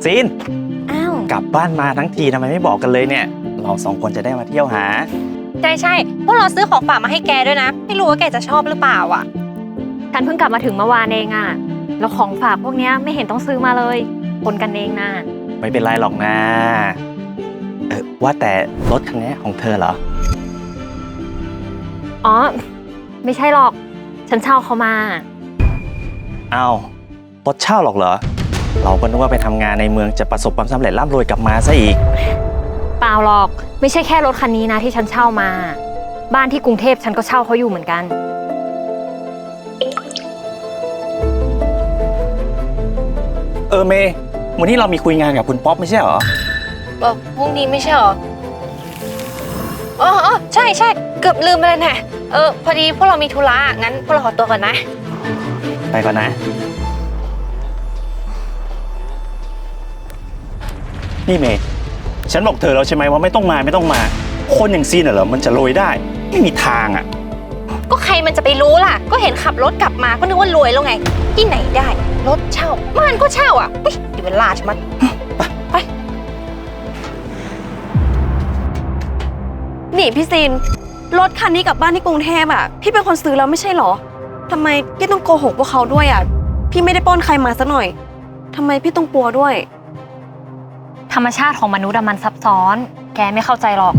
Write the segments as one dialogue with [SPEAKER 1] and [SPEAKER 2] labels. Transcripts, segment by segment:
[SPEAKER 1] ซีน
[SPEAKER 2] อ้าว
[SPEAKER 1] กลับบ้านมาทั้งทีทำไมไม่บอกกันเลยเนี่ยเราสองคนจะได้มาเที่ยวหา
[SPEAKER 2] ใช่พวกเราซื้อของฝากมาให้แกด้วยนะไม่รู้ว่าแกจะชอบหรือเปล่าอ่ะ
[SPEAKER 3] ฉันเพิ่งกลับมาถึงเมื่อวานเองอะแล้วของฝากพวกเนี้ยไม่เห็นต้องซื้อมาเลยคนกันเองนะ
[SPEAKER 1] ไม่เป็นไรหรอกนะว่าแต่รถคันนี้ของเธอเหรอ
[SPEAKER 3] อ๋อไม่ใช่หรอกฉันเช่าเขามา
[SPEAKER 1] อ้าวรถเช่าหรอกเหรอเราก็นึกว่าไปทำงานในเมืองจะประสบความสำเร็จร่ำรวยกลับมาซะอีก
[SPEAKER 3] เปล่าหรอกไม่ใช่แค่รถคันนี้นะที่ฉันเช่ามาบ้านที่กรุงเทพฉันก็เช่าเขาอยู่เหมือนกัน
[SPEAKER 1] เมย์วันนี้เรามีคุยงานกับคุณป๊อปไม่ใช่เหรอ
[SPEAKER 2] พรุ่งนี้ไม่ใช่เหรออ๋อใช่เกือบลืมไปเลยแน่พอดีพวกเรามีธุระงั้นพวกเราขอตัวก่อนนะ
[SPEAKER 1] ไปก่อนนะนี่เมย์ฉันบอกเธอแล้วใช่ไหมว่าไม่ต้องมาคนอย่างซีนเหรอมันจะรวยได้ไม่มีทางอ่ะ
[SPEAKER 2] ก็ใครมันจะไปรู้ล่ะก็เห็นขับรถกลับมาก็นึกว่ารวยแล้วไงที่ไหนได้รถเช่ามันก็เช่าอ่ะเดี๋ยวเวลาใช่ไหมไป
[SPEAKER 4] นี่พี่ซินรถคันนี้กลับบ้านที่กรุงเทพอ่ะพี่เป็นคนซื้อแล้วไม่ใช่หรอทำไมพี่ต้องโกหกพวกเขาด้วยอ่ะพี่ไม่ได้ปล้นใครมาซะหน่อยทำไมพี่ต้องกลัวด้วย
[SPEAKER 3] ธรรมชาติของมนุษย์มันซับซ้อนแกไม่เข้าใจหรอก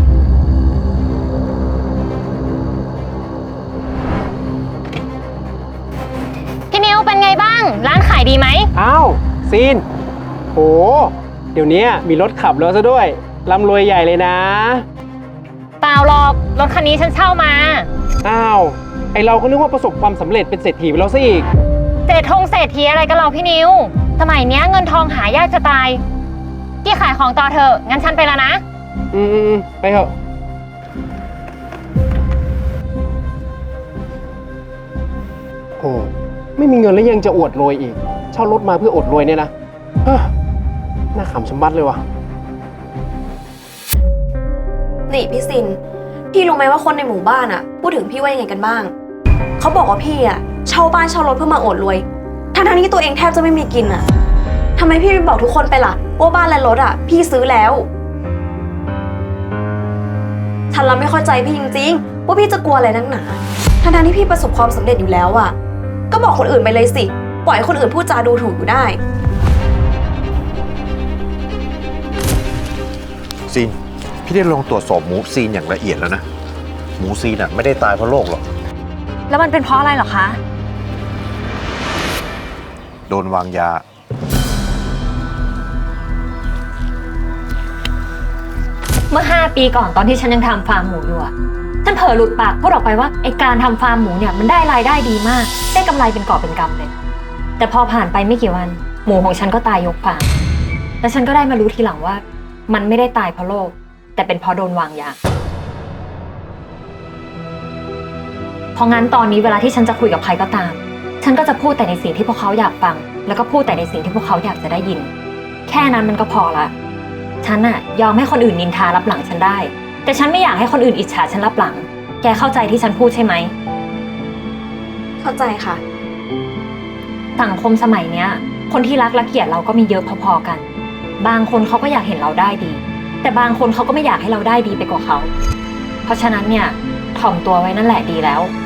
[SPEAKER 3] พี่นิวเป็นไงบ้างร้านขายดีไหม
[SPEAKER 5] อ้าวซีนโหเดี๋ยวนี้มีรถขับแล้วซะด้วยร่ำรวยใหญ่เลยนะ
[SPEAKER 3] เปล่าหรอกรถคันนี้ฉันเช่ามา
[SPEAKER 5] อ้าวไอเราก็นึกว่าประสบความสำเร็จเป็นเศรษฐีไปแล้วซะอีก
[SPEAKER 3] เศรษฐีอะไรกันเราพี่นิวสมัยเนี้ยเงินทองหายากจะตายพี่ขายของต่อเถอะงั้นฉันไปแล้วนะ
[SPEAKER 5] ไปเถอะโอ้ไม่มีเงินแล้วยังจะอวดรวยอีกเช่ารถมาเพื่ออดรวยเนี่ยนะน่าขำชะมัดเลยว่ะ
[SPEAKER 4] นี่พี่ซินพี่รู้ไหมว่าคนในหมู่บ้านอ่ะพูดถึงพี่ว่ายังไงกันบ้างเขาบอกว่าพี่อ่ะเช่าบ้านเช่ารถเพื่อมาอวดรวยทั้งที่ตัวเองแทบจะไม่มีกินอ่ะทำไมพี่ไม่บอกทุกคนไปล่ะว่าบ้านและรถอ่ะพี่ซื้อแล้วฉันละไม่เข้าใจพี่จริงๆว่าพี่จะกลัวอะไรนักหนาทั้งที่พี่ประสบความสำเร็จอยู่แล้วอ่ะก็บอกคนอื่นไปเลยสิปล่อยให้คนอื่นพูดจาดูถูกอยู่ได้
[SPEAKER 6] ซีนพี่ได้ลองตรวจสอบหมูซีนอย่างละเอียดแล้วนะหมูซีนไม่ได้ตายเพราะโรคหรอก
[SPEAKER 3] แล้วมันเป็นเพราะอะไรหรอคะ
[SPEAKER 6] โดนวางยา
[SPEAKER 3] เมื่อ5 ปีก่อนตอนที่ฉันยังทำฟาร์มหมูอยู่อะฉันเผลอหลุดปากพูดออกไปว่าไอการทำฟาร์มหมูเนี่ยมันได้รายได้ดีมากได้กำไรเป็นกอบเป็นกำเลยแต่พอผ่านไปไม่กี่วันหมูของฉันก็ตายยกฟาร์มและฉันก็ได้มารู้ทีหลังว่ามันไม่ได้ตายเพราะโรคแต่เป็นเพราะโดนวางยาเพราะงั้นตอนนี้เวลาที่ฉันจะคุยกับใครก็ตามฉันก็จะพูดแต่ในสิ่งที่พวกเขาอยากฟังแล้วก็พูดแต่ในสิ่งที่พวกเขาอยากจะได้ยินแค่นั้นมันก็พอละฉันอะยอมให้คนอื่นนินทารับหลังฉันได้แต่ฉันไม่อยากให้คนอื่นอิจฉาฉันรับหลังแกเข้าใจที่ฉันพูดใช่ไหม
[SPEAKER 4] เข้าใจค่ะ
[SPEAKER 3] สังคมสมัยเนี้ยคนที่รักและเกลียดเราก็มีเยอะพอๆกันบางคนเขาก็อยากเห็นเราได้ดีแต่บางคนเขาก็ไม่อยากให้เราได้ดีไปกว่าเขาเพราะฉะนั้นเนี่ยถ่อมตัวไว้นั่นแหละดีแล้ว